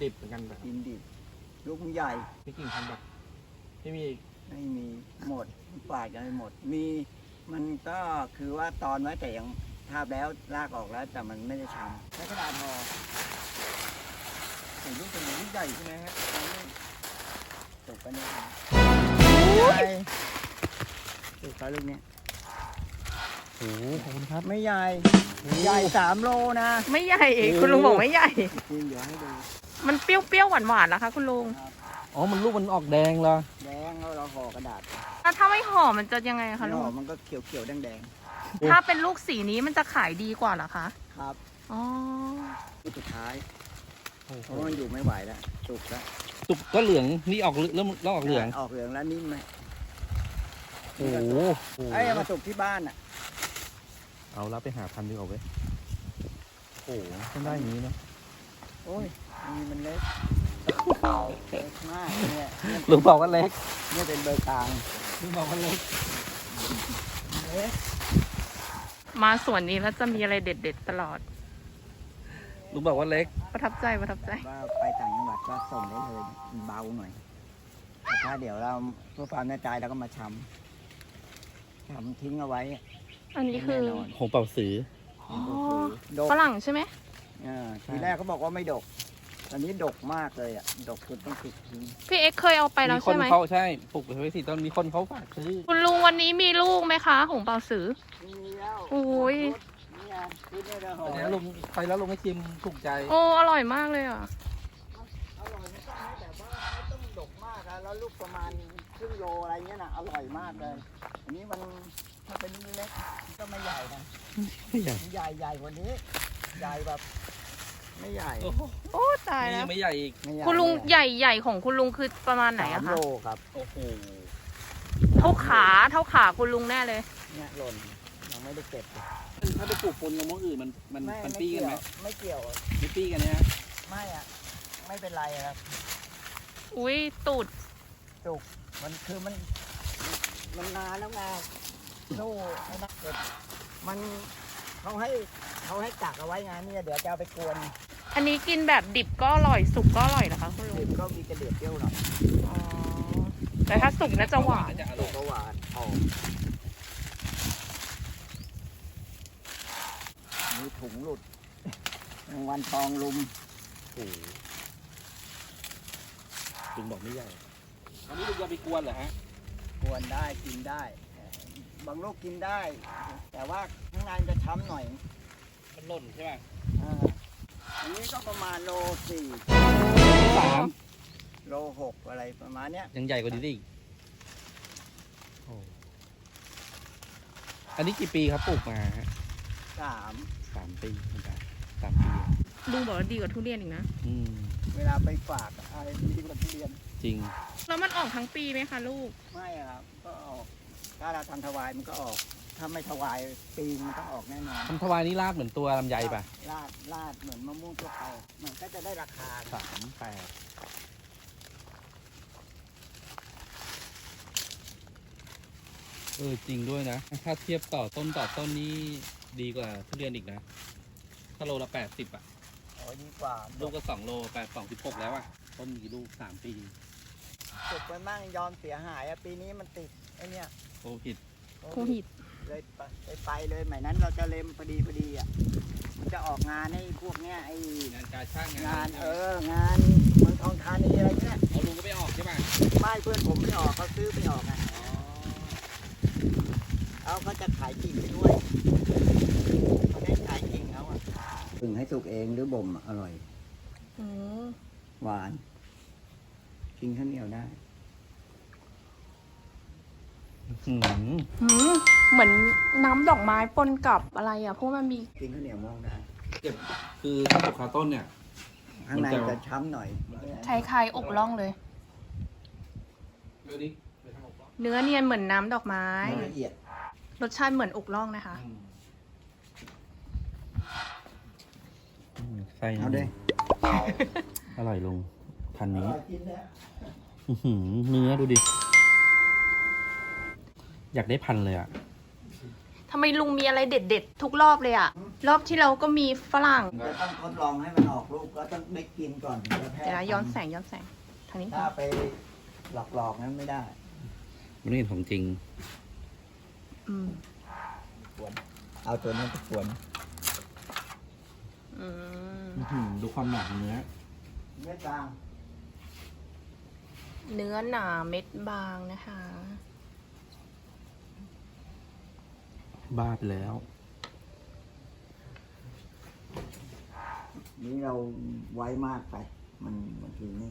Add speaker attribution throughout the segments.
Speaker 1: ดิบเหมือนกันแบบ
Speaker 2: กินดิบลูกมันใหญ่
Speaker 1: พี่กิ่งทำแบบไม่มี
Speaker 2: ไม่มีหมดฝาดกันไปหมดมีมันก็คือว่าตอนไว้แต่ยังทาบแล้วลากออกแล้วแต่มันไม่ได้ช้ำใช้กระดาษห่อใส่ลูกเป็นลูกใหญ่ใช่ไหมฮะตกไปเนี่ยใหญ่ตกไปลูกนี้
Speaker 1: โอ้โหขอบคุณครับ
Speaker 2: ไม่ใหญ่ใหญ่3 โลนะ
Speaker 3: ไม่ใหญ่คุณลุงบอกไม่ใหญ่
Speaker 2: จริงเดี๋ยวให้ดู
Speaker 3: มันเปรี้ยวๆหวานๆนะคะคุณลุง
Speaker 1: อ๋อมันลูกมันออกแดงเหรอ
Speaker 2: แดงแล้วเราห่อกระดาษ
Speaker 3: แล้วถ้าไม่ห่อมันจะยังไงคะลุ
Speaker 2: ห่อง มันก็เขียวๆแดง
Speaker 3: ถ้าเป็นลูกสีนี้มันจะขายดีกว่าเหรอคะ
Speaker 2: ๆครับ
Speaker 3: อ๋อ
Speaker 2: ลูกสุดท้าย
Speaker 1: โอ้โห
Speaker 2: เพราะว่ามันอยู่ไม่ไหวแล้วสุกแล้ว
Speaker 1: สุกก็เหลืองนี่ออกเริ่มออกเหลือง
Speaker 2: ออกเหลืองแล้วนิ่มไหม
Speaker 1: โอ้โห
Speaker 2: ไอ้มาสุกที่บ้านอ่ะ
Speaker 1: เอาละไปหาพันธุ์ดีกว่าเว้ยโอ้โหต้องได้อย่างนี้เนาะ
Speaker 2: โอ้ยนี่มันเล็กเล็กมากเนี่ย
Speaker 1: ลุงบอกว่าเล็ก
Speaker 2: เนี่ยเป็นเบอร์กลาง
Speaker 1: ลุงบอกว่าเล็ก
Speaker 2: เล็ก
Speaker 3: มาสวนนี้แล้วจะมีอะไรเด็ดๆตลอด
Speaker 1: ลุงบอกว่าเล็ก
Speaker 3: ประทับใจประทับใจ
Speaker 2: ว่าไปต่างจังหวัดก็ส่งได้เลยมันเบาหน่อยแต่ถ้าเดี๋ยวเราเพื่อความแน่ใจเราก็มาชำทิ้งเอาไว้
Speaker 3: อันนี้คือ
Speaker 2: แน่นอน
Speaker 1: หงเป่าสือ
Speaker 3: อ๋อ
Speaker 2: ดก
Speaker 3: ฝรั่งใช่ไหม
Speaker 2: ทีแรกเขาบอกว่าไม่ดก ตอนนี้ดกมากเลยอ่ะ ดกจนต้องติดทิ้ง
Speaker 3: พี่เอ็กซ์เคยเอาไปแล้ว
Speaker 1: มีค
Speaker 3: ใช่
Speaker 1: น
Speaker 3: ไหม
Speaker 1: เขาใช่ปลูกไว้สิตอนมีคนเขาฝากซื้อ
Speaker 3: คุณลุงวันนี้มีลูกไหมคะหงเป่าสือ
Speaker 2: มีแล้ว
Speaker 3: โอ้ย
Speaker 2: เนี่ยคือเนี่ยเราห่อ
Speaker 1: แต่นี้ลุงไปแล้วลุงไม่ชิมถูกใจ
Speaker 3: โอ้อร่อยมากเลยอ่ะ
Speaker 2: อร่อยไม่ต้องให้แบบว่าไม่ต้องดกมากอะแล้วลูกประมาณครึ่งโลอะไรเงี้ยนะอร่อยมากเลย อันนี้มันถ้าเป็นเล็กมันก็ไม่ใหญ่นะ
Speaker 1: ไม่ใหญ่
Speaker 2: ใหญ่กว่านี้ ใหญ่แบบ ไม่ใหญ่
Speaker 1: โอ้โห
Speaker 3: โอ้ตาย
Speaker 1: นี่
Speaker 3: แล้
Speaker 1: ยั
Speaker 3: ว
Speaker 1: งไม่ใหญ่อีก
Speaker 2: ไม่ใหญ่
Speaker 3: คุณลุงใหญ่ของคุณลุงคือประมาณไหนอะ
Speaker 2: 3
Speaker 3: คะ
Speaker 2: โลครับ
Speaker 1: โอ้โห
Speaker 3: เท่าขาคุณลุงแน่เลย
Speaker 2: เนี่ยหล่นยังไม่ได้เก็บ
Speaker 1: ถ้าไปปลูกปนกับมะอื่นมันปี้กันไหม
Speaker 2: ไม่เกี่ยว
Speaker 1: ไม่ปี้กันเนี่ย
Speaker 2: ไม่อะไม่เป็นไรครับ
Speaker 3: อุ้ยตูด
Speaker 2: จุกมันคือมันนานแล้วไงสู้ไม่ได้เก็บมันเขาให้กักเอาไว้ไงเนี่ยเดี๋ยวจะเอาไปกวน
Speaker 3: อันนี้กินแบบดิบก็อร่อยสุกก็อร่อยนะคะคุณลุง
Speaker 2: ดิบก็มีกระเดียดเปรี้ยวหน่อย
Speaker 3: อ๋อแต่ถ้าสุกน่าจะหวาน
Speaker 1: จะอ
Speaker 2: สุ
Speaker 1: ร่อก ย
Speaker 2: ก็หวานหอมมีถุงหลุดรางวัลทองลุม
Speaker 1: โอ้โหลุงบอกไม่ใหญ่อันนี้ลุงจะไปกวนเหรอฮะ
Speaker 2: กวนได้กินได้ บางลูกกินได้ แต่ว่าข้างในมันจะช้ำหน่อย
Speaker 1: มันหล่นใช่ป่ะ
Speaker 2: อันนี้ก็ประมาณโล
Speaker 1: 3
Speaker 2: 4โล 6อะไรประมาณเนี้ย
Speaker 1: ยังใหญ่กว่านี้อีกโอ้อันนี้กี่ปีครับปลูกมาฮะ
Speaker 2: 3
Speaker 1: 3 ปีเหมือนกัน3 ปี
Speaker 3: ลุงบอกว่าดีกว่าทุเรียนอีกนะ
Speaker 1: อืม
Speaker 2: เวลาไปฝากอะไรที่มันทุเรียน
Speaker 1: จริง
Speaker 3: แล้วมันออกทั้งปีไหมคะลูก
Speaker 2: ไม่อะครับ ก็ออก ถ้าเราทำถวายมันก็ออก ถ้าไม่ถวายปีมันต้องออกแน่นอน
Speaker 1: ทำทวายนี่รากเหมือนตัวลำไยป่ะ
Speaker 2: ลาดเหมือนมะม่วงทั่วไปมันก็จะได้ราคา
Speaker 1: 38จริงด้วยนะ ถ้าเทียบต่อต้นนี่ดีกว่าทุเรียนอีกนะ ถ้าโลละ80อ่ะ
Speaker 2: โอ้ดีกว่า
Speaker 1: ลูกก็2 โล16แล้วอ่ะ ต้นมีลูก3 ปี
Speaker 2: สุกไปมั่งยอมเสียหายอะปีนี้มันติดไอ้เนี่ย
Speaker 1: โควิด
Speaker 3: โควิด
Speaker 2: เลยไปเลยหมายนั้นเราจะเล็มพอดีอ่ะ มันจะออกงานให้พวกเนี้ยไอ้
Speaker 1: งานการช่าง
Speaker 2: งานงานเมืองทองธานีอะไรเงี้ย
Speaker 1: เอาลุงก็ไม่ออกใช่ป่ะ
Speaker 2: ไม่เพื่อนผมไม่ออกเขาซื้อไม่ออกอ่ะเขาก็จะขายกิ่งไปด้วยเขาได้ขายกิ่งเขาอ่ะถึงให้สุกเองหรือบ่มอร่อย
Speaker 3: อืม
Speaker 2: หวานกินข้าวเหนียวได้
Speaker 1: หืม
Speaker 3: เหมือนน้ำดอกไม้ปนกับอะไรอ่ะเพราะมันมี
Speaker 2: กินข้าวเหนียวมองได้
Speaker 1: เก็บคือถ้าปลูกคาต้นเนี่ย
Speaker 2: ข้างในจะช้ำหน่อย
Speaker 3: คล้ายๆอกล่องเลย
Speaker 1: ดูดิ
Speaker 3: เนื้อเนียนเหมือนน้ำดอกไม้
Speaker 2: ไม่ละเอียด
Speaker 3: รสชาติเหมือนอกล่องนะคะ
Speaker 1: ใส่
Speaker 2: เอาด้วย
Speaker 1: อร่อยลุงพันนี้
Speaker 2: กินแล้ว
Speaker 1: เนื้อดูดิ อยากได้พันเลยอ่ะ
Speaker 3: ทำไมลุงมีอะไรเด็ดๆทุกรอบเลยอ่ะรอบที่เราก็มีฝรั่ง
Speaker 2: จะต้องทดลองให้มันออกลูกก็ต้องได้กินก่อนถึงจะแพร่
Speaker 3: เดี๋ยวนะย้อนแสงทางนี้
Speaker 2: ถ้าไปหลอกนั้นไม่ได้
Speaker 1: มันไม่เห็นของจริง
Speaker 3: อืม
Speaker 2: เอาตัวนี้ไปกวน
Speaker 3: อืม
Speaker 1: ดูความหนาของเนื้อ
Speaker 2: เม็ดบาง
Speaker 3: เนื้อหนาเม็ดบางนะคะ
Speaker 1: บ้าไปแล้ว
Speaker 2: นี่เราไว้มากไป มันบางทีนี่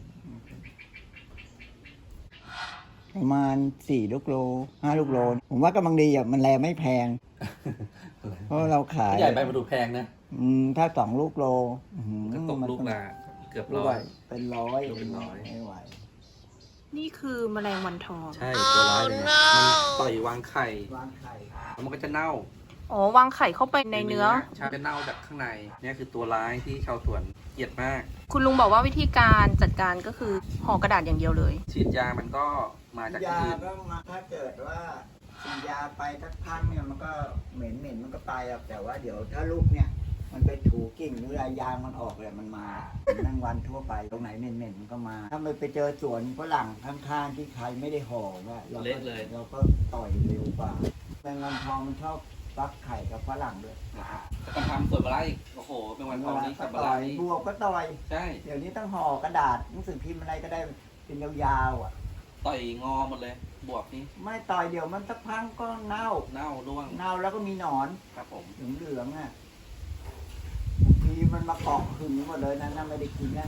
Speaker 2: ประมาณ4 ลูกโล5 ลูกโล ผมว่ากำลังดีอ่ะ มันแลไม่แพง เพราะเราขาย
Speaker 1: ใหญ่ไปมาดูแพงนะ
Speaker 2: ถ้า2 ลูกโลอื้อหือ
Speaker 1: ก็ตกลูกละเกือบ
Speaker 2: ลูก
Speaker 1: ร้อย
Speaker 2: เป็นร้อย
Speaker 1: ลูกเป็นร้อย
Speaker 2: ไม่ไหว
Speaker 3: นี่คือแมลงวันทอง
Speaker 1: ใช่ตัวร้ายเลยนะมันต่อยวางไข่
Speaker 2: วางไข่
Speaker 1: แล้วมันก็จะเน่า
Speaker 3: อ๋อวางไข่เข้าไปในเนื้อ
Speaker 1: ใช่จะเน่าจากข้างในเนี่ยคือตัวร้ายที่ชาวสวนเกลียดมาก
Speaker 3: คุณลุงบอกว่าวิธีการจัดการก็คือห่อกระดาษอย่างเดียวเลย
Speaker 1: ฉีดยามันก็มาจากที่
Speaker 2: ยา
Speaker 1: อื่น
Speaker 2: ก็มาถ้าเกิดว่าฉีดยาไปสักพักเนี่ยมันก็เหม็นมันก็ไปอ่ะแต่ว่าเดี๋ยวถ้าลูกเนี่ย มันไปถูกิ่งหรืออะไรยางมันออกเลยมันมาแมงวันทั่วไปตรงไหนเหม็นมันก็มา ถ้าไปเจอสวนฝรั่งข้างๆที่ใครไม่ได้ห่อว่าเราก็เราก็ต่อยเร็วกว่าแมงวันทองมันชอบฟักไข่กับฝรั่งด้วย
Speaker 1: นะครับแต่การทำสวยบาร่าอีกโอ้โหเป็นวันทองนี้กับบา
Speaker 2: ต่
Speaker 1: ร่า
Speaker 2: อย
Speaker 1: นี่
Speaker 2: บวกก็ต่อย
Speaker 1: ใช่
Speaker 2: เดี๋ยวนี้ต้องห่อกระดาษหนังสือพิมพ์อะไรก็ได้เป็นยาวๆอ่ะ
Speaker 1: ต่อยงอหมดเลย บวกนี่
Speaker 2: ไม่ต่อยเดี๋ยวมันสักพักก็เน่า
Speaker 1: เน่าร่วง
Speaker 2: เน่าแล้วก็มีหนอน
Speaker 1: ครับผม
Speaker 2: เหลืองๆอ่ะบางทีมันมาเกาะขึงหมดเลยนะน่าไม่ได้กินนะ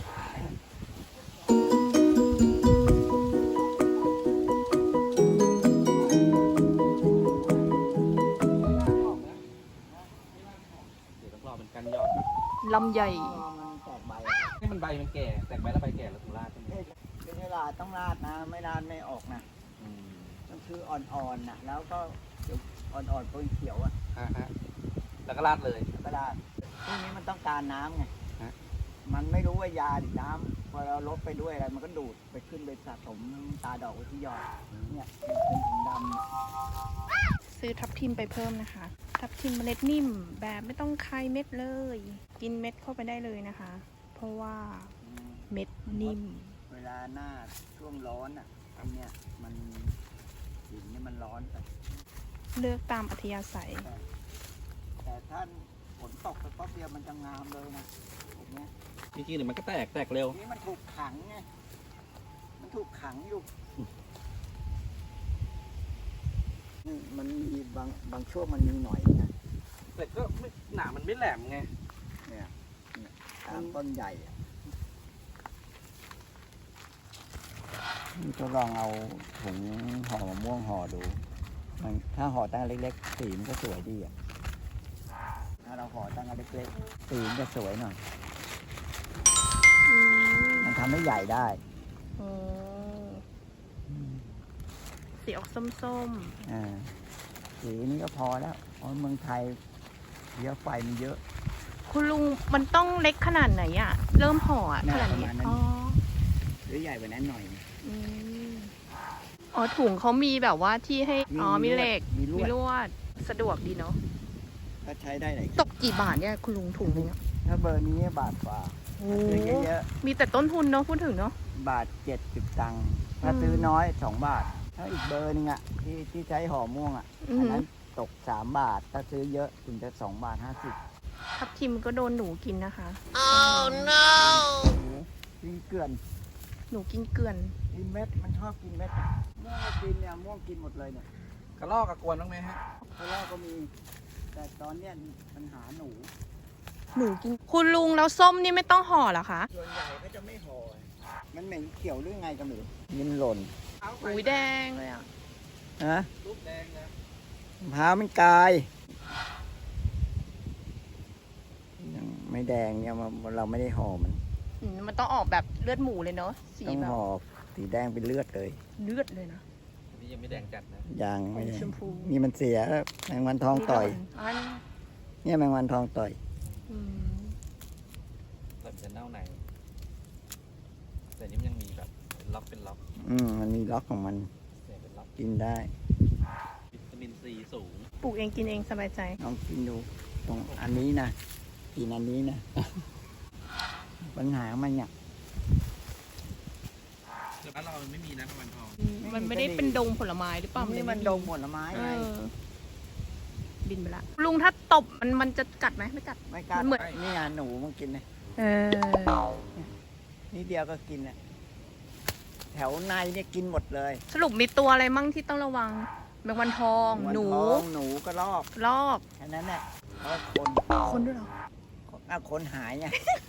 Speaker 1: เดี๋ยวต้องรอเป็นกันยอด
Speaker 3: ลำใหญ่
Speaker 2: มันแตกใบอะ
Speaker 1: ให้มันใบมันแก่แตกใบแล้วใบแก่แล้วถึงราดใช่ไหม
Speaker 2: เป็นเวลาต้องราดนะ ไม่ราดไม่ออกนะ
Speaker 1: อืม
Speaker 2: ก็คืออ่อนๆนะแล้วก็เดี๋ยวอ่อนๆปนเขียวอ่ะ
Speaker 1: ฮะแล้วก็ราดเลย
Speaker 2: แล้วก็ราดพวกนี้มันต้องการน้ำไง
Speaker 1: ฮะ
Speaker 2: มันไม่รู้ว่ายาหรือน้ำพอเราลดไปด้วยอะไรมันก็ดูดไปขึ้นไปสะสมตาดอกไว้ที่ยอดเนี่ยเป็นถุงดำ
Speaker 3: ซื้อทับทิมไปเพิ่มนะคะ ทับทิมเมล็ดนิ่มแบบไม่ต้องคายเม็ดเลย กินเม็ดเข้าไปได้เลยนะคะ เพราะว่าเม็ดนิ่ม
Speaker 2: เวลาหน้าช่วงร้อนอ่ะอันเนี้ยมันหินเนี่ยมันร้อนไป
Speaker 3: เลือกตามอัธยาศัย
Speaker 2: แต่ถ้าฝนตกไปป๊บเดียวมันจะงามเลยนะผมเนี้ย
Speaker 1: จริงๆเดี๋ยวมันก็แตกเร็ว
Speaker 2: นี่มันถูกขังไงมันถูกขังอยู่นี่มันมีบางช่วงมันมีหน่อยนะ
Speaker 1: แต่ก็ไม่หนามันไม่แหลมไง
Speaker 2: เนี่ยตามต้นใหญ่อะนี่ก็ลองเอาถุงห่อมะม่วงห่อดูมันถ้าห่อตั้งเล็กๆสีมันก็สวยดีอ่ะถ้าเราห่อตั้งเล็กๆสีมันจะสวยหน่อย
Speaker 3: อืม
Speaker 2: มันทำให้ใหญ่ได้
Speaker 3: อ๋อสีออกส้ม
Speaker 2: สีนี้ก็พอแล้วเพราะเมืองไทยเยอะไฟมันเยอะ
Speaker 3: ๆ คุณลุงมันต้องเล็กขนาดไหนอะเริ่มห่ออะ
Speaker 2: น่า
Speaker 3: ขนาด
Speaker 2: ประ
Speaker 3: นี้
Speaker 2: มาณนั้น
Speaker 3: อ๋อ
Speaker 2: หรือใหญ่กว่านั้นหน่อย
Speaker 3: อืมอ๋อถุงเขามีแบบว่าที่ให้ อ๋อ มีเหล็ก
Speaker 2: มีลวด
Speaker 3: ลวด สะดวกดีเนาะ
Speaker 2: ก็ใช้ได้หลาย
Speaker 3: ตกกี่บาทเนี่ยคุณลุงถุงนึงอะ
Speaker 2: ถ้าเบอร์นี้บาทกว่า
Speaker 3: โอ้
Speaker 2: ซื้อเยอะ
Speaker 3: มีแต่ต้นทุนเนาะพูดถึงเนาะ
Speaker 2: ๆบาท70 ตังค์ถ้าซื้อน้อย2 บาท ถ้าอีกเบอร์หนึงอ่ะที่ใช้ห่อม่วงอ่ะ
Speaker 3: อือ
Speaker 2: อัน
Speaker 3: หือ
Speaker 2: นั้นตก3 บาท ถ้าซื้อเยอะถึงจะ2 บาท
Speaker 3: ทับทิมก็โดนหนูกินนะคะ
Speaker 2: 50กินเกลื่อน
Speaker 3: หนูกินเกลือน
Speaker 2: กินเม็ดมันชอบกินเม็ดอะม่วงก็กินเนี่ยม่วงกินหมดเลยเนี่ย
Speaker 1: กระลอกกระกวนบ้างไหมฮะ
Speaker 2: เพราะว่าก็มี แต่ตอนเนี้ยปัญหาหนู
Speaker 3: หนูกิน คุณลุงแล้วส้มนี่ไม่ต้องห่อเหรอคะ
Speaker 2: ส่วนใหญ่ก็จะไม่ห่อมันเหม็นเขียวหรือไงก็ไม่รู้ยินหล่น
Speaker 3: อุ้ยแดงเลยอ่ะ
Speaker 2: ฮะ
Speaker 1: ลูกแดงนะ
Speaker 2: มะพร้าวมันกลายยังไม่แดงเนี่ยเราไม่ได้ห่อมัน
Speaker 3: มันต้องออกแบบเลือดหมูเลยเนาะ สี
Speaker 2: ต้อง
Speaker 3: แบบ
Speaker 2: ห่อสีแดงเป็นเลือดเลย
Speaker 3: เลือดเลยนะ
Speaker 1: อันนี้ยังไม่แดงจัดนะ
Speaker 2: ยางไม่แดง
Speaker 3: ชมพู
Speaker 2: นี่มันเสียแล้วแมงวันทองต่อย
Speaker 3: อัน
Speaker 2: เนี่ยแมงวันทองต่อย
Speaker 3: อืม
Speaker 1: เราจะเน่าในแต่นี่มันยังมีแบบเป็นล็อกเป็นล็อก
Speaker 2: มันมีล็อกของมัน
Speaker 1: เนี่ยเป็นล็อก
Speaker 2: กินได้
Speaker 1: วิตามินซีสูง
Speaker 3: ปลูกเองกินเองสบายใจ
Speaker 2: ลองกินดูตรงอันนี้นะกินอันนี้นะ ปัญหามันเนี่ย
Speaker 1: แต่บ้านเราไม่มีนะประมาณทอง
Speaker 3: มันไม่ได้เป็นดงผลไม้หรือเปล่า
Speaker 2: นี่มันดงผลไม้
Speaker 3: เอ
Speaker 2: ไง
Speaker 3: อบินไปละลุงถ้าตบมันจะกัดไหมไม่กัด
Speaker 2: ไม่กล้า
Speaker 3: มันเหมือน
Speaker 2: นี่ไงหนูมันกินเลย
Speaker 3: เออ
Speaker 2: นี่เดียวก็กินอ่ะแถวในเนี่ยกินหมดเลย
Speaker 3: สรุปมีตัวอะไรมั่งที่ต้องระวังแมงวันทอง หนู
Speaker 2: วัทองหนูก็ลอก
Speaker 3: ลอก
Speaker 2: แค่นั้นแหละเพราะคน
Speaker 3: คนด้วยเหรอ
Speaker 2: คนหายไง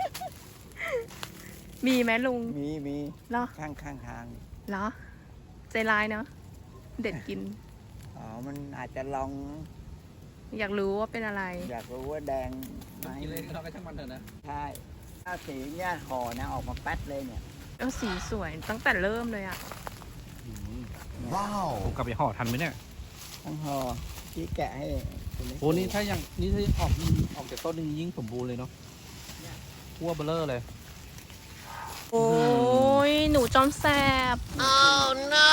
Speaker 3: มีไหมลุง
Speaker 2: มี
Speaker 3: เหรอ
Speaker 2: ข้างทาง
Speaker 3: เหรอ ใจร้ายเนาะเด็ดกิน
Speaker 2: อ๋อมันอาจจะลอง
Speaker 3: อยากรู้ว่าเป็นอะไร
Speaker 2: อยากรู้ว่าแดงไหม
Speaker 1: กินเลยเราก็ช่างมันเถอะนะ
Speaker 2: ใช่ถ้าสีเนี่ยห่อนะออกมาแป๊ดเลยเนี่ย
Speaker 3: แล้วสีสวยตั้งแต่เริ่มเลยอะ
Speaker 2: ว้าว
Speaker 1: ผมกลับไปห่อทันไหมเนี่ย
Speaker 2: ต้องห่อที่แกะให้คุณเล็ก
Speaker 1: โอ้นี่ถ้าออกจากต้นนึงยิ่งสมบูรณ์เลยเนาะทั่วเบลอเลย
Speaker 3: โอ้ยหนูจอมแสบ oh no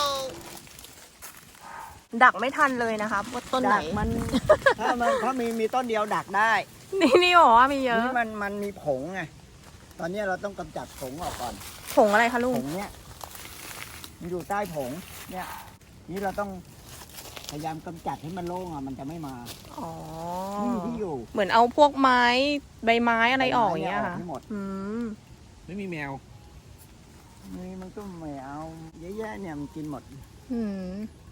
Speaker 3: ดักไม่ทันเลยนะคะว่าต้นไหน
Speaker 2: ดักมัน ถ้ามีต้นเดียวดักได้
Speaker 3: นี่บอกว่ามีเยอะ
Speaker 2: นี่มันมีผงไงตอนนี้เราต้องกำจัดผงออกก่อน
Speaker 3: ผงอะไรคะลุ
Speaker 2: ผ
Speaker 3: ง
Speaker 2: งเนี่ยมันอยู่ใต้ผงเนี่ยนี่เราต้องพยายามกำจัดให้มันโล่งอ่ะมันจะไม่มา
Speaker 3: อ๋อ
Speaker 2: นี่ที่อยู่
Speaker 3: เหมือนเอาพวกไม้ใบไม้อะไรออกอย่างเงี้ย
Speaker 2: ใบไม้
Speaker 3: ค่ะ
Speaker 2: ให้หมด
Speaker 3: อืม
Speaker 1: ไม่มีแมว
Speaker 2: นี่มันก็ไม่เอาเยอะแยะเนี่ยมันกินหมด
Speaker 3: อืม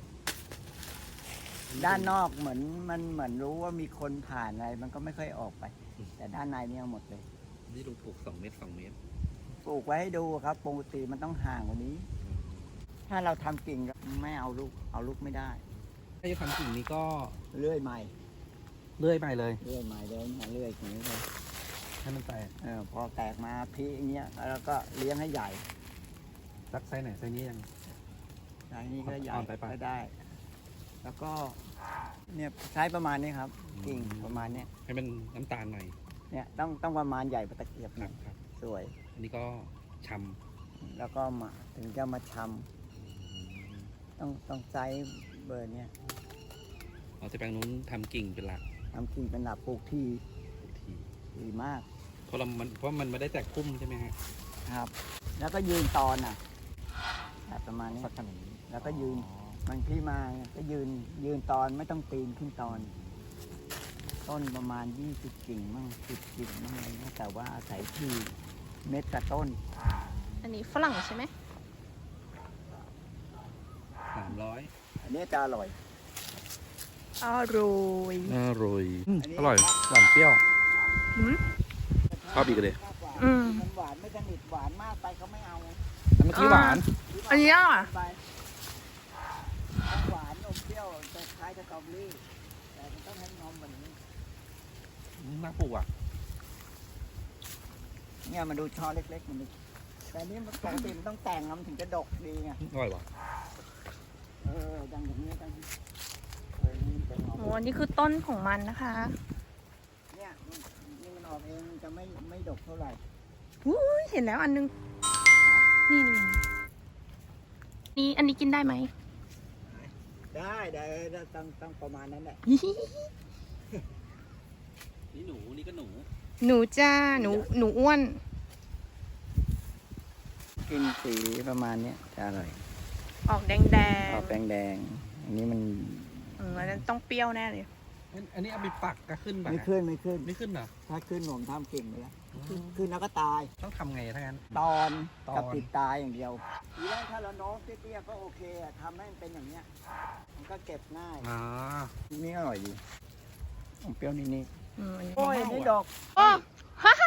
Speaker 2: ด้านนอกเหมือนรู้ว่ามีคนผ่านอะไรมันก็ไม่ค่อยออกไป แต่ด้านในเนี่ยเอาหมดเลย
Speaker 1: นี่ลุงปลูก2 เมตร 2 เมตร
Speaker 2: ปลูกไว้ให้ดูครับปกติมันต้องห่างกว่านี้ ถ้าเราทำกิ่งไม่เอาลูกไม่ได้
Speaker 1: ถ้าจะทำกิ่งนี้ก็
Speaker 2: เลื่อยใหม่
Speaker 1: เลื่อยไปเลย
Speaker 2: เลื่อยใหม่เดินมาเลื่อยอย่างนี้เลย
Speaker 1: ให้มันแตก
Speaker 2: พอแตกมาพีอย่างเงี้ยแล้วก็เลี้ยงให้ใหญ่
Speaker 1: สักไซส์ไหนไซส์นี้ยัง
Speaker 2: ไซส์นี้ก็ใหญ่
Speaker 1: อ่อนไปปะ
Speaker 2: ก็ได้ แล้วก็เนี่ยใช้ประมาณนี้ครับ กิ่งประมาณเนี้ย
Speaker 1: ให้มันน้ำตาลหน่อย
Speaker 2: เนี่ยต้องประมาณใหญ่ประตะเกียบ
Speaker 1: ครั
Speaker 2: นะ
Speaker 1: บครับ
Speaker 2: สวย
Speaker 1: อันนี้ก็ช
Speaker 2: แล้วก็มาถึงจะมาช
Speaker 1: ำ
Speaker 2: ำต้องไซส์เบอร์เนี้ย
Speaker 1: เอาแต่แปลงนู้นทำกิ่งเป็นหลัก
Speaker 2: ทำกิ่งเป็นหลักปลูกที่
Speaker 1: ทุกที
Speaker 2: ดีมาก
Speaker 1: เพราะมันไม่ได้แตกพุ่มใช่ไหมฮะ
Speaker 2: ครับ แล้วก็ยืนตอนแบบประมาณนี้
Speaker 1: สักขนาดนี้
Speaker 2: แล้วก็ยืน บางที่มาก็ยืนตอนไม่ต้องปีนขึ้นตอน ต้นประมาณ20กิ่งมั่ง10กิ่งมั่งอะไรเงี้ยแต่ว่าอาศัยที่เม็ดกับต้น
Speaker 3: อันนี้ฝรั่งใช่ไหม
Speaker 1: 300
Speaker 2: อันนี้จะอร่อย
Speaker 3: อร่อย
Speaker 1: อร่อย
Speaker 2: อันนี้
Speaker 1: อร่อยหวานเปรี้ยว
Speaker 3: อืม
Speaker 1: ชอบอีกเลย
Speaker 3: อืม
Speaker 2: มันหวานไม่สนิทหวานมากไปเขาไม่เอา
Speaker 1: อันเมื่อกี้หวาน
Speaker 3: อันนี้อ่ะ
Speaker 2: ไปหวานอมเปรี้ยวจะคล้ายสตรอเบอรี่แต่มันต้องให้นมแบบนี้
Speaker 1: น่าปลูกอ่ะ
Speaker 2: เนี่ยมาดูช่อเล็กๆมันดิแต่นี่มันปกติมันต้องแต่งมันถึงจะดกดีไง
Speaker 1: อร่อยว่ะ
Speaker 2: ดังอย่างนี้ดังนี่เป็นออก
Speaker 3: โอ้อันนี้คือต้นของมันนะคะ
Speaker 2: เนี่ยนี่มันออกเองมันจะไม่ดกเท่าไหร่
Speaker 3: อุ้ยเห็นแล้วอันนึง นี่นี่อันนี้กินได้ไหม
Speaker 2: ได้ต้องประมาณนั้นแหละ
Speaker 1: นี่หนูนี่ก็หนู
Speaker 3: หนูจ้า หนูอ้วน
Speaker 2: กินสีประมาณเนี้ยจะอร่อย
Speaker 3: ออกแดงแดง
Speaker 2: ออกแดงๆอันนี้มัน
Speaker 3: อันนั้นต้องเปรี้ยวแน่เลย
Speaker 1: อันนี้เอาไปปักก็ขึ้นป่ะ
Speaker 2: ไม่
Speaker 1: ฮะ
Speaker 2: ขึ้น
Speaker 1: ไม่ขึ้นเหรอ
Speaker 2: ถ้าขึ้นผมทำเก่งไปแล้วขึ้นแล้วก็ตาย
Speaker 1: ต้องทำไงถ้างั้น
Speaker 2: ตอน
Speaker 1: ตอน
Speaker 2: กับติดตายอย่างเดียวทีแรกถ้าเราโน้มเตี้ยๆก็โอเคอะทำให้มันเป็นอย่างเนี้ยมันก็เก็บง่าย
Speaker 1: อ๋อ
Speaker 2: นี่อร่อยดีอมเปรี้ยวนิด
Speaker 3: อันนี้
Speaker 2: ๆโอ้ยนี่ดอก
Speaker 3: โอ้ฮ่าฮ่า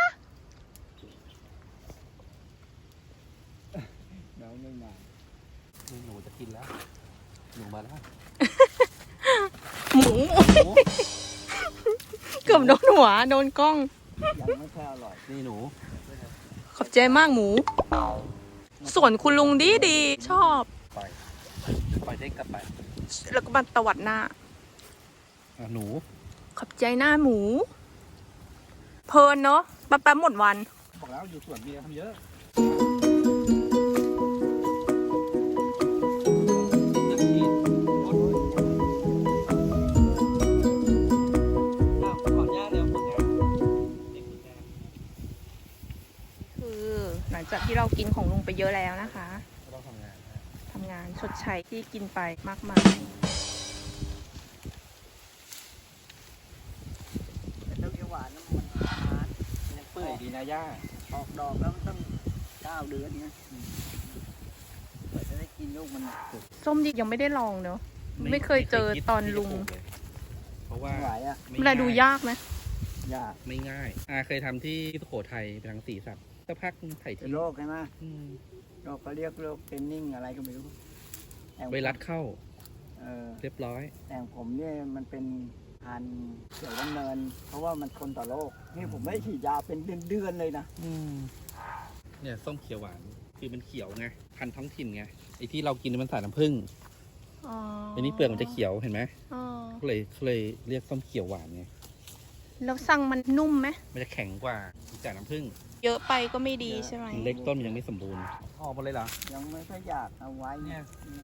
Speaker 2: เราไม่มา
Speaker 1: นี่หนูจะกินแล้ว หนูมาแล้ว
Speaker 3: หมูเกือบโดนหัว โดนกล้อง
Speaker 2: ยังไม่ค่อยอร่อย
Speaker 1: นี่หนู
Speaker 3: ขอบใจมากหมู ส่วนคุณลุงดีชอบ
Speaker 1: ปล่อยเด็กกลับไป
Speaker 3: แล้วก็บันตวัดหน้า
Speaker 1: หนู
Speaker 3: ขอบใจหน้าหมู เพลินเนาะแป๊บๆหมดวัน
Speaker 1: บอกแล้วอยู่สวนเบียร์ทำเยอะขอนหญ้า
Speaker 3: กินของลุงไปเยอะแล้วนะคะ
Speaker 1: ก็ต้องทำงานนะ
Speaker 3: ทำงานชดใช้ที่กินไปมากมาย
Speaker 2: แต่ต้นเขียวหวานน้ำมันนาน
Speaker 1: ยังเปื่อยดีนะย่า
Speaker 2: ออกดอกแล้วมันต้อง9 เดือนนะเพื่อจะได้กินลูกมันสุก
Speaker 3: ส้มดิยังไม่ได้ลองเนอะไม่เคยเจอตอนลุง
Speaker 1: เพราะว่า
Speaker 2: ไม่ไหวอ่ะ
Speaker 3: เวลาดูยากไหม
Speaker 2: ยาก
Speaker 1: ไม่ง่ายเคยทำที่สุโขทัยไปทางสีสักสักพักไถ่
Speaker 2: เป็น
Speaker 1: ที่
Speaker 2: โรคใช่ไหม
Speaker 1: อืม
Speaker 2: โรคเขาเรียกโรคเทนนิ่งอะไรก็ไม่รู้แต่
Speaker 1: ไวรัสเข้า
Speaker 2: เออ
Speaker 1: เรียบร้อย
Speaker 2: แต่ผมเนี่ยมันเป็นพันธุ์เขียวดำเนิน เพราะว่ามันทนต่อโรคนี่ผมไม่ได้ฉีดยาเป็นเดือนๆเลยนะ
Speaker 1: เนี่ยส้มเขียวหวานคือมันเขียวไงพันธุ์ท้องถิ่นไงไอ้ที่เรากินมันใส่น้ำผึ้ง
Speaker 3: อ๋อ
Speaker 1: อันนี้เปลือกมันจะเขียวเห็นไหม
Speaker 3: อ๋อ
Speaker 1: ก็เลยเรียกส้มเขียวหวานไง
Speaker 3: แล้วสั่งมันนุ่มไหม
Speaker 1: มันจะแข็งกว่าจากน้ำผึ้ง
Speaker 3: เยอะไปก็ไม่ดีใช่ไหม
Speaker 1: เล็กต้นมันยังไม่สมบูรณ์ออกหมดเลยเหรอ
Speaker 2: ยังไม่ค่อยอยากเอาไว้เนี่ย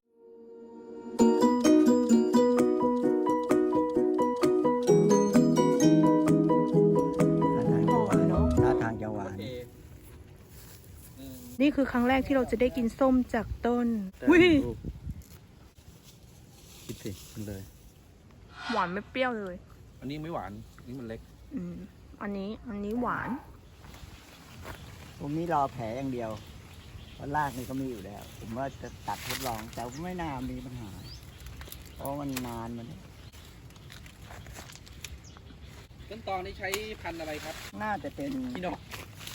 Speaker 3: หอมเนอะ
Speaker 2: ท่าทางจะหวาน
Speaker 3: นี่คือครั้งแรกที่เราจะได้กินส้มจากต้น
Speaker 1: แต่
Speaker 3: วิ
Speaker 1: ลูกคิดสิมันเลย
Speaker 3: หวานไม่เปรี้ยวเลย
Speaker 1: อันนี้ไม่หวานอันนี้มันเล็ก
Speaker 3: อืมอันนี้หวาน
Speaker 2: ผมนี่รอแผลอย่างเดียวเพราะรากนี่ก็มีอยู่แล้ว ผมว่าจะตัดทดลอง แต่ไม่น่ามีปัญหา เพราะมันนานมัน
Speaker 1: ต้นตอนี้ใช้พันธุ์อะไรครับ
Speaker 2: น่าจะเป็น
Speaker 1: พี่นก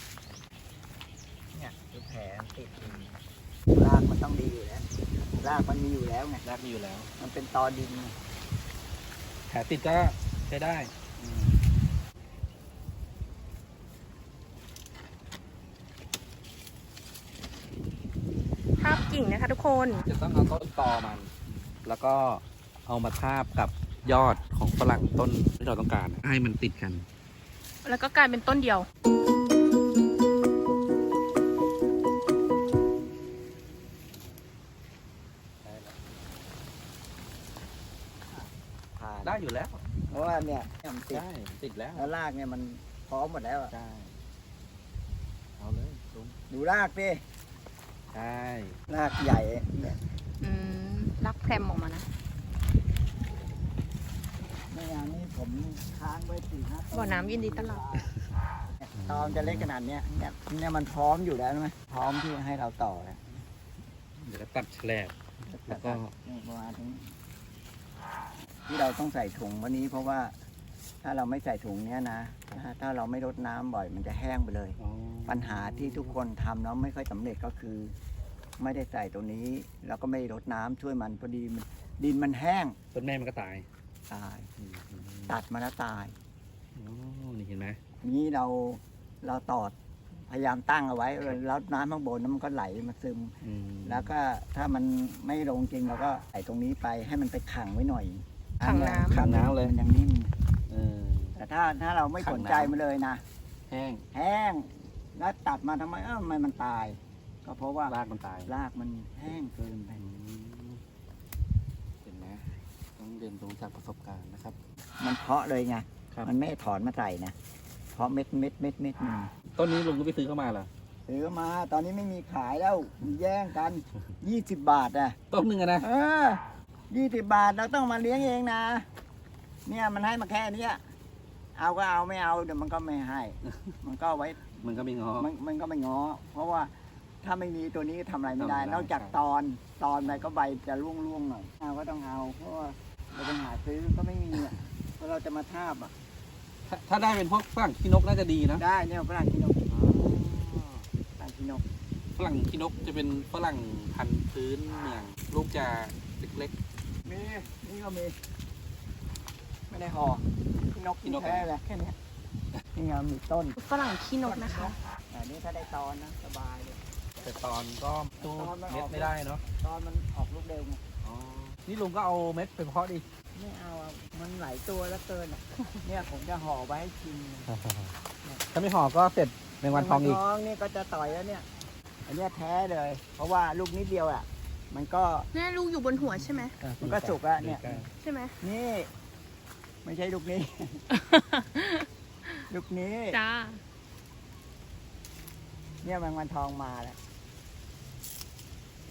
Speaker 2: เนี่ยคือแผลติดอยู่รากมันต้องดีอยู่แล้วรากมันมีอยู่แล้วไง
Speaker 1: รากมีอยู่แล้ว
Speaker 2: มันเป็นตอดินไง
Speaker 1: แผลติดก็ใช้ได้
Speaker 3: ทาบกิ่งนะคะทุกคน
Speaker 1: จะต้องเอาต้นตอมัน แล้วก็เอามาทาบกับยอดของฝรั่งต้นที่เราต้องการ ให้มันติดกัน
Speaker 3: แล้วก็กลายเป็นต้นเดียว
Speaker 2: ผ่าน
Speaker 1: ได้อยู่แล้ว
Speaker 2: เพราะว่าเนี่ยมันติด
Speaker 1: ได้ติดแล้ว
Speaker 2: แล้วรากเนี่ยมันพร้อมหมดแล้วอะ
Speaker 1: ได้เอาเลยลุง
Speaker 2: ดูรากดิ
Speaker 1: ได้
Speaker 2: รากใหญ่เนี่ย
Speaker 3: อืมรักแพรมออกมานะ
Speaker 2: ในงานนี้ผมค้างไว้4-5 ต้น
Speaker 3: บ่อน้ำยินดีต้อนรับ
Speaker 2: ตอนจะเล็กขนาดเนี้ยเนี่ยมันพร้อมอยู่แล้วใช่ไหมพร้อมที่ให้เราต่อแล้ว
Speaker 1: เดี๋ยวก็ตัดแฉลบ แล้วก็
Speaker 2: ประมาณนี้ที่เราต้องใส่ถุงวันนี้เพราะว่าถ้าเราไม่ใส่ถุงเนี้ยนะถ้าเราไม่รดน้ำบ่อยมันจะแห้งไปเลย
Speaker 1: อ๋อ
Speaker 2: ปัญหาที่ทุกคนทำแล้วไม่ค่อยสำเร็จก็คือ ไม่ได้ใส่ตัวนี้ แล้วก็ไม่รดน้ำช่วยมันพอดีมันดินมันแห้ง
Speaker 1: ต้นแม่มันก็ตาย
Speaker 2: ตาย
Speaker 1: อืม
Speaker 2: ตัดมาแล้วตาย
Speaker 1: อ๋อนี่เห็นไหม
Speaker 2: นี้เราตอดพยายามตั้งเอาไว้แล้วน้ำข้างบนนั้นมันก็ไหลมาซึม
Speaker 1: อืม
Speaker 2: แล้วก็ถ้ามันไม่ลงจริงเราก็ใส่ตรงนี้ไปให้มันไปขังไว้หน่อย
Speaker 3: ขังน้ำ
Speaker 1: ขังน้ำเลย
Speaker 2: มันยังนิ่ม
Speaker 1: เออ
Speaker 2: แต่ถ้าเราไม่สนใจมันเลยนะ
Speaker 1: แห้ง
Speaker 2: แห้งแล้วตัดมาทำไมทำไมมันตาย ก็เพราะว่าร
Speaker 1: ากมันตาย
Speaker 2: รากมันแห้งเกินไป
Speaker 1: เห็นไหมต้องเรียนรู้จากประสบการณ์นะครับ
Speaker 2: มันเพาะเลยไง
Speaker 1: ครับ
Speaker 2: มันไม่ถอนมาใส่นะเพาะเม็ดหนึ่ง
Speaker 1: ต้นนี้ลุงก็ไปซื้อเข้ามาเหรอ
Speaker 2: ซื้อมาตอนนี้ไม่มีขายแล้วแย่งกัน20 บาทอ่ะ
Speaker 1: ต้นหนึ่งอะนะ
Speaker 2: 20 บาทเราต้องมาเลี้ยงเองนะ เนี่ยมันให้มาแค่เนี้ยเอาก็เอาไม่เอาเดี๋ยวมันก็ไม่ให้ มันก็ไว้
Speaker 1: มันก็ไม่งอ
Speaker 2: มันก็ไม่ง้อ เพราะว่าถ้าไม่มีตัวนี้ทำอะไรไม่ได้
Speaker 1: ทำไม่ได้
Speaker 2: นอกจากตอนไปก็ใบจะร่วงหน่อยเอาก็ต้องเอา เพราะว่าเราไปหาซื้อก็ไม่มีอ่ะเพราะเราจะมาทาบอ่ะ
Speaker 1: ถ้าได้เป็นพวกฝรั่งขี้นกน่าจะดีนะ
Speaker 2: ได้เนี่ยฝรั่งกินกฝรั่งกินก
Speaker 1: ฝรั่งขี้นกจะเป็นฝรั่งพันธุ์พื้นเมือง ลูกจะเล็ก
Speaker 2: มีนี่ก็มี ไม่ได้ห่อกินนกกินแค่เลยแค่เนี้ยนี่ไงมีต้น
Speaker 3: ฝรั่งขี้นกนะคะ
Speaker 2: อันนี้ถ้าได้ตอนนะสบายเลย
Speaker 1: ๆ แต่ตอนก็ตู้เม็ดไม่ได้เนาะ
Speaker 2: ตอนมันออกลูกเร็วไง
Speaker 1: อ๋อ นี่ลุงก็เอาเม็ดไปเพาะดิ
Speaker 2: ไม่เอาอะมันหลายตัวแล้วเกินอะเนี่ยผมจะห่อไว้ให้กิน
Speaker 1: ถ้าไม่ห่อก็เสร็จในวันทองอีก
Speaker 2: ท้องนี่ก็จะต่อยแล้วเนี่ย อันเนี้ยแท้เลย เพราะว่าลูกนิดเดียวอ่ะ มันก็
Speaker 3: แม่ลูกอยู่บนหัวใช่ไหม
Speaker 2: มันก็สุกแล้วเนี่ย
Speaker 3: ใช่ไหม
Speaker 2: นี่ ไม่ใช่ลูกนี้ ลูกนี้
Speaker 3: จ้า
Speaker 2: เนี่ยแมงวันทองมาแล้ว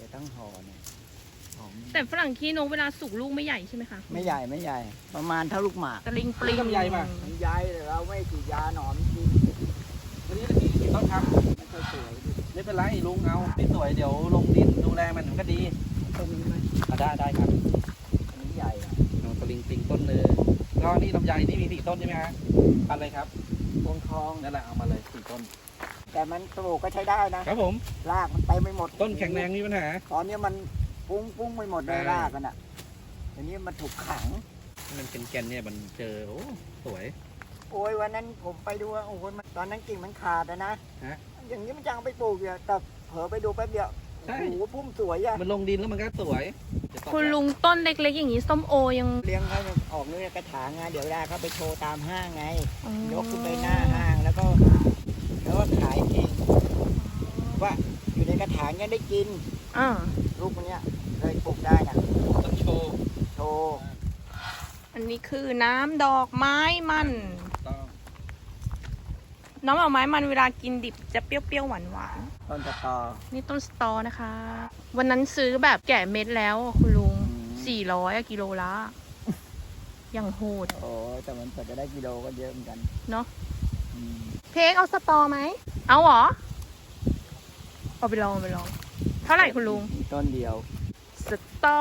Speaker 2: จะต้องห่อเนี่ยหอม
Speaker 3: แต่ฝรั่งขี้นกเวลาสุกลูกไม่ใหญ่ใช่ไหมคะ
Speaker 2: ไม่ใหญ่ไม่ใหญ่ ประมาณเท่าลูกหมาก
Speaker 3: ตะลิงปลิง
Speaker 1: ลำไยป่ะ
Speaker 2: มันใหญ่แต่เราไม่ฉีดยาหนอนกิน
Speaker 1: วันนี้เรากี่ต้นครับ
Speaker 2: ไม่ค่อยสวยดิ
Speaker 1: ไม่เป็นไรลุงเอาไม่สวยเดี๋ยวลงดินดูแลมันก็ดี
Speaker 2: ต้นนี้ไหม
Speaker 1: ได้ครับ
Speaker 2: อันนี้ใหญ่อะ
Speaker 1: เอาตะลิงปิงต้นหนึงก็นี่ลำไยนี่มี4 ต้นใช่ไหมฮะพันอะไรครับ
Speaker 2: วงทอง
Speaker 1: นั่นแหละเอามาเลย4 ต้น
Speaker 2: แต่มันปลูกก็ใช้ได้นะครับ
Speaker 1: ผม
Speaker 2: รากมันเต็มไปหมด
Speaker 1: ต้นแข็งแรงมีปัญหา
Speaker 2: ตอนนี้มันปุ้งไปหมดเลย
Speaker 1: ใช่
Speaker 2: รากกันอ่ะทีนี้มันถูกขัง
Speaker 1: มันเป็นแกนเนี่ยมันเจอโอ้สวย
Speaker 2: โอ้ยวันนั้นผมไปดูว่าโอ้โหมันตอนนั้นกิ่งมันขาดอะนะ
Speaker 1: ฮะ
Speaker 2: อย่างนี้มันจะเอาไปปลูกอยู่แต่เผลอไปดูแป๊บเดียว
Speaker 1: ใช่
Speaker 2: โอ้โหพุ่มสวยอะ
Speaker 1: มันลงดินแล้วมันก็สวยเดี๋ยวตอบ
Speaker 3: คุณลุงต้นเล็กๆอย่างนี้ส้มโอยัง
Speaker 2: เลี้ยงเขาออกเนี่ยกระถางไงเดี๋ยวเวลาเขาไปโชว์ตามห้างไง
Speaker 3: อ๋อย
Speaker 2: กขึ้นไปหน้าห้างแล้วก็ขายเองว่าอยู่ในกระถางยังได้กิน
Speaker 3: อ่า
Speaker 2: ลูกมันเนี้ยเลยปลูกได้นะ
Speaker 1: ต้นโชว์
Speaker 2: โชว์
Speaker 3: อันนี้คือน้ำดอกไม้มัน
Speaker 1: ต้อง
Speaker 3: น้ำดอกไม้มันเวลากินดิบจะเปรี้ยวๆหวาน
Speaker 2: ต้นตะตอ
Speaker 3: ๆนี่ต้นสตอนะคะ วันนั้นซื้อแบบแกะเม็ดแล้วคุณลุง
Speaker 2: อืม
Speaker 3: 400กิโลละอย่างโหด
Speaker 2: โอ้แต่มันกว่าจะได้กิโลก็เยอะเหมือนกัน
Speaker 3: เนาะ
Speaker 2: อืม
Speaker 3: เพกเอาสตอไหม เอาเหรอ เอาไปลองเอาไปลอง เท่าไหร่คุณลุง
Speaker 2: มีต้นเดียว
Speaker 3: สตอ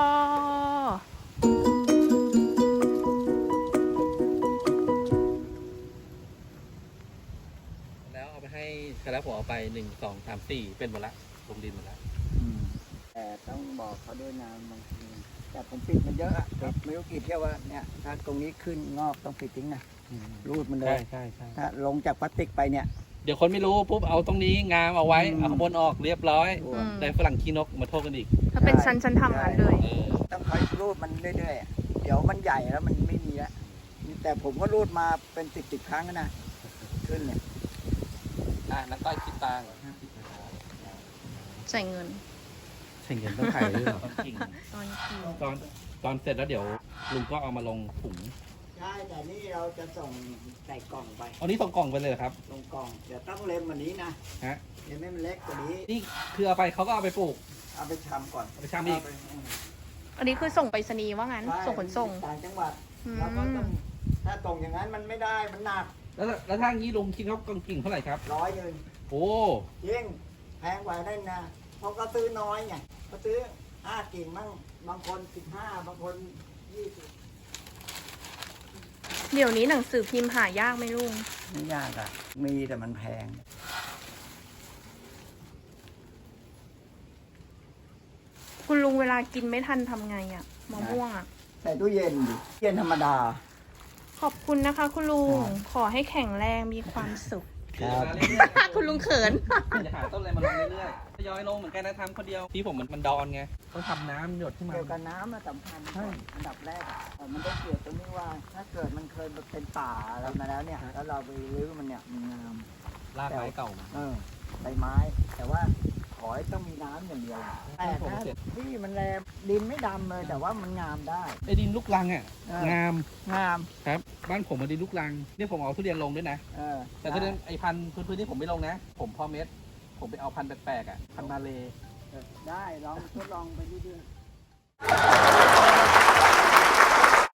Speaker 1: แล้วเอาไปให้ใครแล้วผมเอาไป1 2 3 4เป็นหมดละลงดินหมดละ
Speaker 2: แต่ต้องบอกเขาด้วยนะบางทีแต่ผมปิดมันเยอะอะไม่รู้กี่เที่ยวว่าเนี่ยถ้าตรงนี้ขึ้นงอกต้องปิดทิ้งนะรูดมันเล
Speaker 1: ใช่
Speaker 2: ย
Speaker 1: ใช่ใช่
Speaker 2: ถ้าลงจากพลาสติกไปเนี่ย
Speaker 1: เดี๋ยวคนไม่รู้ปุ๊บเอาตรงนี้งามเอาไว้
Speaker 2: อืม
Speaker 1: เอาข้างบนออกเรียบร้อย
Speaker 2: โอ้
Speaker 3: อืม
Speaker 1: ได้ฝรั่งขี้นกมาโทษกันอีก
Speaker 3: ถ้าเป็นชั้นทำงานเลย
Speaker 1: เออ
Speaker 2: ต้องคอยรูดมันเรื่อยๆอะเดี๋ยวมันใหญ่แล้วมันไม่มีแล้วแต่ผมก็รูดมาเป็นสิบครั้งแล้วนะขึ้นเนี่ย
Speaker 1: นักต้อยคิดตังค์
Speaker 3: ใส่เงิน
Speaker 1: ใช่เงินต้องขายด้วยเหรอจริง
Speaker 3: ตอนกิน
Speaker 1: ตอนเสร็จแล้วเดี๋ยวลุงก็เอามาลงถุง
Speaker 2: ใช่แต่นี่เราจะส่งใส่กล่องไป
Speaker 1: เอานี้ส่งกล่องไปเลยเหรอครับ
Speaker 2: ลงกล่องเดี๋ยวต้องเล็มวันนี้นะ
Speaker 1: ฮะ
Speaker 2: เล็มให้มันเล็กกว่านี้
Speaker 1: นี่คือเอาไปเขาก็เอาไปปลูก
Speaker 2: เอาไปชำก่อน
Speaker 1: เอาไปชำอีก
Speaker 2: เาไป
Speaker 3: อันนี้คือส่งไปรษณีย์ว่างั้น
Speaker 2: ใช่
Speaker 3: ส่งขนส่ง
Speaker 2: ต่างจังหวัด
Speaker 3: อืม
Speaker 2: เราก็ต้องถ้าส่งอย่างนั้นมันไม่ได้มันหนัก
Speaker 1: แล้วถ้างี้ลุงคิดเขากล่องกิ่งเท่าไหร่ครับ
Speaker 2: 100
Speaker 1: โอ้
Speaker 2: จริงแพงกว่านั่นนะเพราะก็ซื้อน้อยไงเขาซื้อ5 กิ่งมั่งบางคน15บางคน20
Speaker 3: เดี๋ยวนี้หนังสือพิมพ์หายากไหมลุง
Speaker 2: ไม่ยากอะมีแต่มันแพง
Speaker 3: คุณลุงเวลากินไม่ทันทำไงอะมะม่วงอะ
Speaker 2: ใส่ตู้เย็นดิเย็นธรรมดา
Speaker 3: ขอบคุณนะคะ คุณลุง
Speaker 2: ครับ
Speaker 3: ขอให้แข็งแรงมีความสุข
Speaker 2: ครับ
Speaker 3: คุณลุงเขิน
Speaker 1: จะหาต้นอะไรมาลงเรื่อยๆทยอยลงเหมือนกันนะทำคนเดียวที่ผมมันดอนไงต้องทำน้ำหยดขึ้นมา
Speaker 2: เกี่ยวกับน้ำอะสำคัญ
Speaker 1: ใช่
Speaker 2: อันดับแรกอะแต่มันได้เกี่ยวตรงนี้ว่าถ้าเกิดมันเคยเป็นป่าอะไรมาแล้วเนี่ยแล้วเราไปรื้อมันเนี่ยมันงาม
Speaker 1: ลากไม้เก่ามา
Speaker 2: ใบไม้ แต่ว่าขอให้ต้องมีน้ำอย่างเดียวแต่ถ้าที่มันแรงดินไม่ดำเลยแต่ว่ามันงามได้
Speaker 1: ไอ้ดินลูกรังอ่ะ
Speaker 2: เออ
Speaker 1: งาม
Speaker 2: งาม
Speaker 1: ครับ บ้านผมมันดินลูกรังเนี่ยผมเอาทุเรียนลงด้วยนะ แต่ทุเรียนไอ้พันธุ์พื้นที่ผมไม่ลงนะ ผมเพอเม็ด ผมไปเอาพันธุ์แปลกๆอ่ะพันธุ์มาเลย
Speaker 2: ได้ลองทดลองไปเรื่อยๆ